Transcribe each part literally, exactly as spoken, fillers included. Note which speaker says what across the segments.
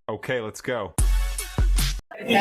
Speaker 1: Okay, let's go.
Speaker 2: ลี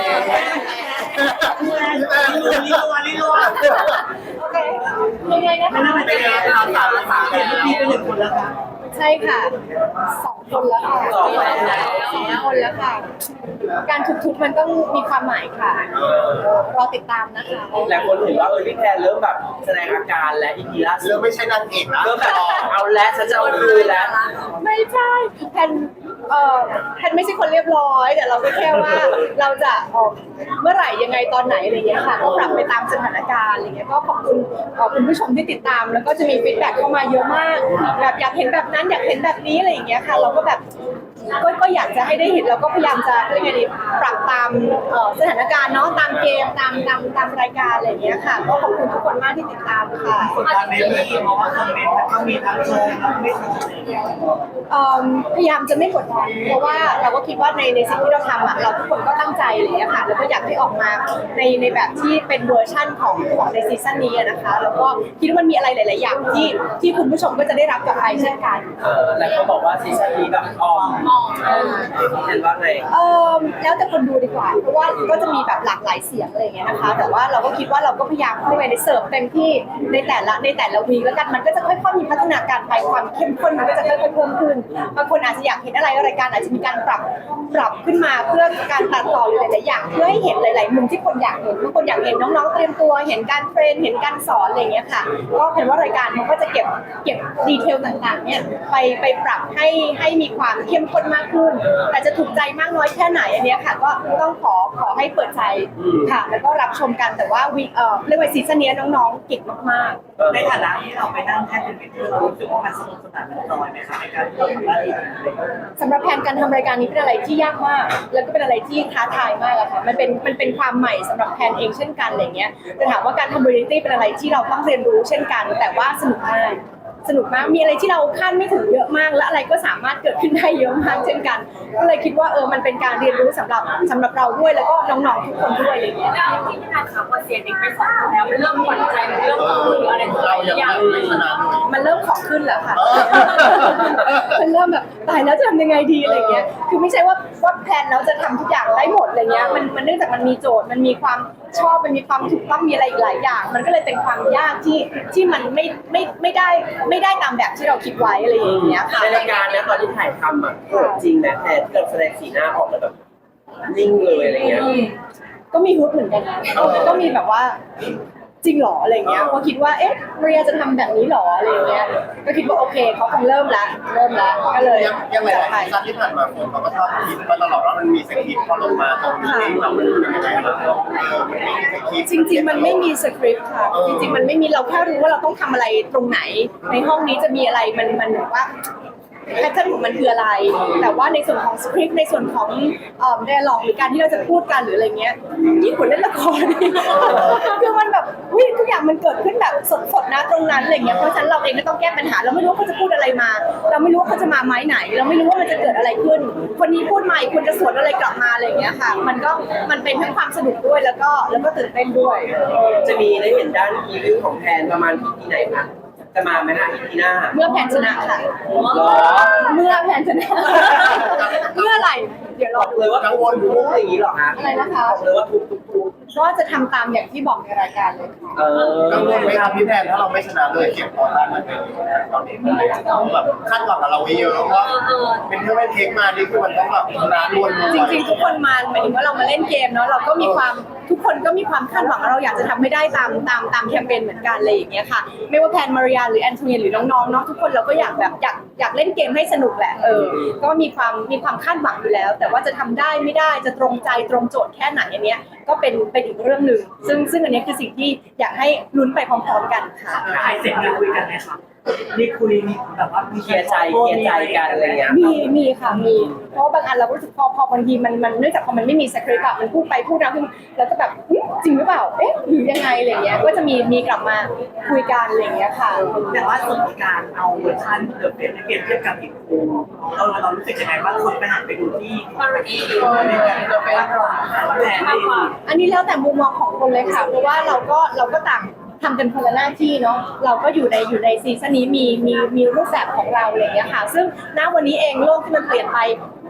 Speaker 2: ลัวลีลัว
Speaker 3: โอเคยังไงนะคะ
Speaker 2: มันเป็นยังไงเราสามสามเห็นพี่เป็นหนึ่งคนแล้วครับ
Speaker 3: ใช่ค่ะสองคนแล้วค่ะ
Speaker 2: สองคนแล้ว
Speaker 3: สองคนแล้วค่ะ การทุบๆมันต้องมีความหมายค่ะรอติดตามนะคะ
Speaker 4: หลายคนเห็นว่าเออพี่แพนเริ่มแบบแสดงอาการและอีพีล่าสุ
Speaker 5: เรื่อ
Speaker 4: ด
Speaker 5: งไม่ใช่นางเอกนะ
Speaker 4: เริ่มแบบเอาแล้วฉันจะเอาคืนแล้ว
Speaker 3: ไม่ใช่แพนเอ่อแพนไม่ใช่คนเรียบร้อยแต่เราก็แค่ว่าเราจะออกเมื่อไหร่ยังไงตอนไหนอะไรเงี้ยค่ะก็ปรับไปตามสถานการณ์อะไรเงี้ยก็ขอบคุณเอ่อคุณผู้ชมที่ติดตามแล้วก็จะมีฟีดแบ็กเข้ามาเยอะมากแบบอยากเห็นแบบนั้นอยากเห็นแบบนี้อะไรอย่างเงี้ยค่ะเราก็แบบก็ก็อยากจะให้ได้เห็นเราก็พยายามจะเรียกไงดีปรับตามเอ่อสถานการณ์เนาะตามเกมตามตามตามรายการอะไรอย่างเงี้ยค่ะก็ขอบคุณทุกคนมากที่ติดตามค่ะ
Speaker 2: กดดันไหมพี่เพราะว่าคอมเมนต์มันก็มีทั้งชมทั้งไม่ชมอะไรอย่างเงี้ย
Speaker 3: เอิ่มพยายามจะไม่กดดันเพราะว่าเราก็คิดว่าในในสิ่งที่เราทำอ่ะเราทุกคนก็ตั้งใจอะไรอย่างเงี้ยค่ะแล้วก็อยากให้ออกมาในในแบบที่เป็นเวอร์ชั่นของของในซีซั่นนี้อะนะคะแล้วก็คิดว่ามันมีอะไรหลาย ๆ อย่างที่ที่คุณผู้ชมก็จะได้รับกลับไปเช่นกัน
Speaker 4: เออหลายคนบอกว่าซีซั่นนี้แบบออมเออพี่แพนว่าไง
Speaker 3: เออแล้วแต่คนดูดีกว่าเพราะว่าก็จะมีแบบหลากหลายเสียงอะไรอย่างเงี้ยนะคะ แต่ว่าเราก็คิดว่าเราก็พยายามเข้าไปในเสิร์ฟเต็มที่ในแต่ละในแต่ละวีคแล้วกันมันก็จะค่อยๆมีพัฒนาการไปความเข้มข้นมันก็จะค่อยๆเพิ่มขึ้นบางคนอาจจะอยากเห็นอะไรรายการอาจจะมีการปรับปรับขึ้นมาเพื่อการตัดต่อหรือหลายๆอย่างเพื่อให้เห็นหลายๆมุมที่คนอยากเห็นบางคนอยากเห็นน้องๆเตรียมตัวเห็นการเทรนเห็นการสอนอะไรอย่างเงี้ยค่ะก็เห็นว่ารายการมันก็จะเก็บเก็บดีเทลต่างๆเนี่ยไปไปปรับให้ให้มีความเข้มข้นมากขึ้นแต่จะถูกใจมากน้อยแค่ไหนอันเนี้ยค่ะก็ต้องขอขอให้เปิดใจค่ะแล้วก็รับชมกันแต่ว่าวีเอ่อเรียกว่าซีซั่นนี้น้องๆเก่งมากๆ
Speaker 2: ในฐานะที่เราไปนั่งแท่นเป็นเมนเทอร์เรารู้สึกว่ามันสนุกสนานมันจอยไหมคะในการที่เราทำหน้าที่นี้
Speaker 3: สำหรับแผนการทำรายการนี้เป็นอะไรที่ยากมาก แล้วก็เป็นอะไรที่ท้าทายมากอะค่ะ มันเป็นมันเป็นความใหม่สำหรับแผนเองเช่นกันอะไรเงี้ยแต่ถามว่าการทำบริตี้เป็นอะไรที่เราต้องเรียนรู้เช่นกัน แต่ว่าสนุกมาก สนุกมาก มีอะไรที่เราคาดไม่ถึงเยอะมาก และอะไรก็สามารถเกิดขึ้นได้เยอะมากเช่นกัน ก็เลยคิดว่าเออ มันเป็นการเรียนรู้สำหรับสำหรับเราด้วย แล้วก็น้องๆทุกคนด้วยอะไรเงี้ย
Speaker 6: ที่พี่นายค่ะพอเสียเด็กไปสองคนแล้วมันเริ่มหวั่นใจมันเริ่มกังวลอะไรตัว
Speaker 5: เรา
Speaker 6: ห
Speaker 5: ยัง
Speaker 6: ลายอย่าง
Speaker 5: ไม่ชนะเลย
Speaker 3: มันเริ่มของขึ้นแล้วค่ะ มันเริ่มแบบตายแล้วจะทำยังไงดีอะไรเงี้ย คือไม่ใช่ว่าว่าแพลนแล้วจะทำทุกอย่างได้หมดอะไรเงี้ย มันมันเนื่องจากมันมีโจทย์ มันมีความชอบ มันมีความถูกต้อง มีอะไรอีกหลายอย่าง มันก็เลยเป็นความยากที่ที่มันไม่ไม่ไม่ได้ไม่ได้ตามแบบที่เราคิดไว้อะไรอย่างเงี้ยค่ะ
Speaker 4: ในรายการนะตอนที่ถ่ายทำอ่ะโหดจริงนะแพนที่เราแสดงสีหน้าออกมาแบบนิ่งเลยอะไรเงี้ย
Speaker 3: อืมก็มีฮุบเหมือนกันนะก็มีแบบว่าจริงเหรออะไรเงี้ยก็คิดว่าเอ๊ะเรียจะทำแบบนี้เหรออะไรเงี้ยก็คิดว่าโอเคเขาคงเริ่มละเริ่มละก็เลย
Speaker 5: ยังยังไง
Speaker 3: จัด
Speaker 5: ห
Speaker 3: ไป
Speaker 5: ลายซีซั่นที่ผ่านมาคนเขาก็ชอบคิดมาตลอดว่ามันมีสคริปต์พอลงมาตรงนี้เองเรามันเป็นยังไงบ้างเออมันไม่มีสคริปต์
Speaker 3: จริง ๆ มันไม่มีสคริปต์ค่ะจริงๆมันไม่มีเราแค่รู้ว่าเราต้องทำอะไรตรงไหน ในห้องนี้จะมีอะไรมันมันแบบว่าแพทเทิร์นของมันคืออะไร แต่ว่าในส่วนของสคริปต์ในส่วนของเอ่อ dialogue หรือการที่เราจะพูดกันหรืออะไรเงี้ยยิ่งกว่าเล่นละคร คือมันแบบอุ๊ยทุกอย่างมันเกิดขึ้นแบบสดๆนะตรงนั้นอะไรเงี้ยเพราะฉะนั้นเราเองก็ต้องแก้ปัญหาเราไม่รู้ว่าเขาจะพูดอะไรมา เราไม่รู้ว่าเขาจะมาไม้ไหน เราไม่รู้ว่ามันจะเกิดอะไรขึ้น คนนี้พูดมาอีกคนจะสวนอะไรกลับมาอะไรเงี้ยค่ะ มันก็มันเป็นทั้งความสนุกด้วยแล้วก็แล้วก็ตื่นเต้นด้วย
Speaker 4: จะมีได้เห็นด้านอีวิวของแพนประมาณอีพีไหนคะจะมาไหมคะอีพีหน้า
Speaker 3: เมื่อแพนชนะค่ะ
Speaker 4: หรอ
Speaker 3: เมื่อแพนชนะ เมื่อไหร่เดี๋ยวร
Speaker 4: บ
Speaker 3: อ
Speaker 4: อก
Speaker 3: ดู
Speaker 4: เลยว่ากังวลทุกๆอย่างนี้หรอคะ
Speaker 3: อะไรนะคะ
Speaker 4: บอกเลยว่าทุกทุกทุก
Speaker 3: ก็จะทำตามอย่างที่บอกในรายการเลยค่ะ
Speaker 4: เออ
Speaker 5: กังวลไหมครับพี่แพนถ้าเราไม่ชนะเลยเก็บพอต้านมันเป็นตอนนี้มันเลยต้องแบบคาดหวังกับเราไว้เยอะว่าเป็นเพื่อนเทคมานี่คือมันต้องแบบชนะล้วน
Speaker 3: จริงๆทุกคนมาหมายถึงว่าเรามาเล่นเกมเนาะเราก็มีความทุกคนก็มีความคาดหวังว่าเราอยากจะทำให้ได้ตามตามตามแคมเปญเหมือนกันอะไรอย่างเงี้ยค่ะไม่ว่าแพนมาริยาหรือแอนโทเนียหรือน้องๆเนาะทุกคนเราก็อยากแบบอยากอยากเล่นเกมให้สนุกแหละเออก็มีความมีความคาดหวังอยู่แล้ว แต่ว่าจะทำได้ไม่ได้จะตรงใจตรงโจทย์แค่ไหนอันเนี้ยก็เป็นเป็นอีกเรื่องหนึ่งซึ่งซึ่งอันเนี้ยคือสิ่งที่อยากให้ลุ้นไปพร้อมๆกันค่ะ
Speaker 2: ถ่ายเสร็จมีคุยกันไหมคะมีคุยมีแบบว่ามี
Speaker 4: เคลียร์ใจเคลียร์ใจกันอะไรเงี้ย
Speaker 3: มีมีค่ะมีเพราะว่าบางอันเราก็รู้สึกพอพอบางทีมันมันเนื่องจากพอมันไม่มีสคริปต์อะมันพูดไปพูดมาขึ้นแล้วก็แบบอื้อจริงหรือเปล่าเอ๊ะหรือยังไงอะไรเงี้ยก็จะมีมีกลับมาคุยกันอะไรเงี้ยค่ะ
Speaker 2: แต่ว่าส่วนของการเอาเวอร์ชันเดอะเฟสไปเปรียบเทียบกับอีกคู่เราเรารู้สึกยังไงบ้างคนไปหันไปดูที่
Speaker 6: มารี
Speaker 2: ในการเดอะเฟสแผน
Speaker 6: มากกว่า
Speaker 3: อันนี้แล้วแต่มุมมองของคนเลยค่ะเพราะว่าเราก็เราก็ต่างทำกันคนละหน้าที่เนาะเราก็อยู่ในอยู่ในซีซั่นนี้มีมีมีรูปแบบของเราอะไรเงี้ยค่ะซึ่งณวันนี้เองโลกที่มันเปลี่ยนไป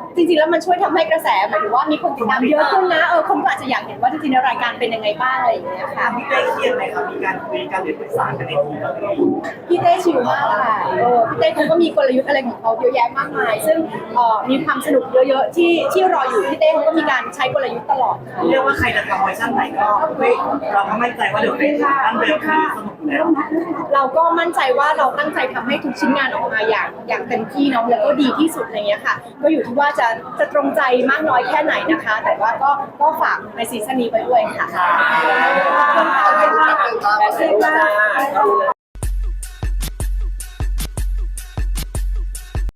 Speaker 3: จริงๆแล้วมันช่วยทำให้กระแสหมายถึงว่ามีคนติดตามเยอะขึ้นนะเออคนก็อาจจะอยากเห็นว่าจริงๆแล้วรายการเป็นยังไงบ้างอะไรอย่างเงี้ยค่ะ
Speaker 2: พี่เต้เครียดไหมครับมีการคุยกันหรือปรึกษากันในทีมแบบนี้
Speaker 3: พี่เต้ชิลมากค่ะเออพี่เต้เขาก็มีกลยุทธ์อะไรของเขาเยอะแยะมากมาย ซึ่งเอ่อมีความสนุกเยอะๆที่ที่รออยู่พี่เต้เขาก็มีการใช้กลยุทธ์ตลอดค่ะ
Speaker 2: เรียกว่าใครจะทำเวอร์ชันไหนก็เฮ้ยเราก็มั่นใจว่าเดี๋ยวเป็นตั้งเดิมคือสนุกอยู่แล้ว
Speaker 3: เราก็มั่นใจว่าเราตั้งใจทำให้ทุกชิ้นงานออกมาอย่างอย่างเต็มที่เนาะแล้วก็ดีที่สุดอะไรเงี้ยค่ะ ก็อยู่ที่ว่าจะจะตรงใจมากน้อยแค่ไหนนะคะ แต่ว่าก็ก็ฝากในซีซั่นนี้ไปด้วยค่ะ
Speaker 5: ขอบคุณครับ
Speaker 4: แต่เสร็จจ้า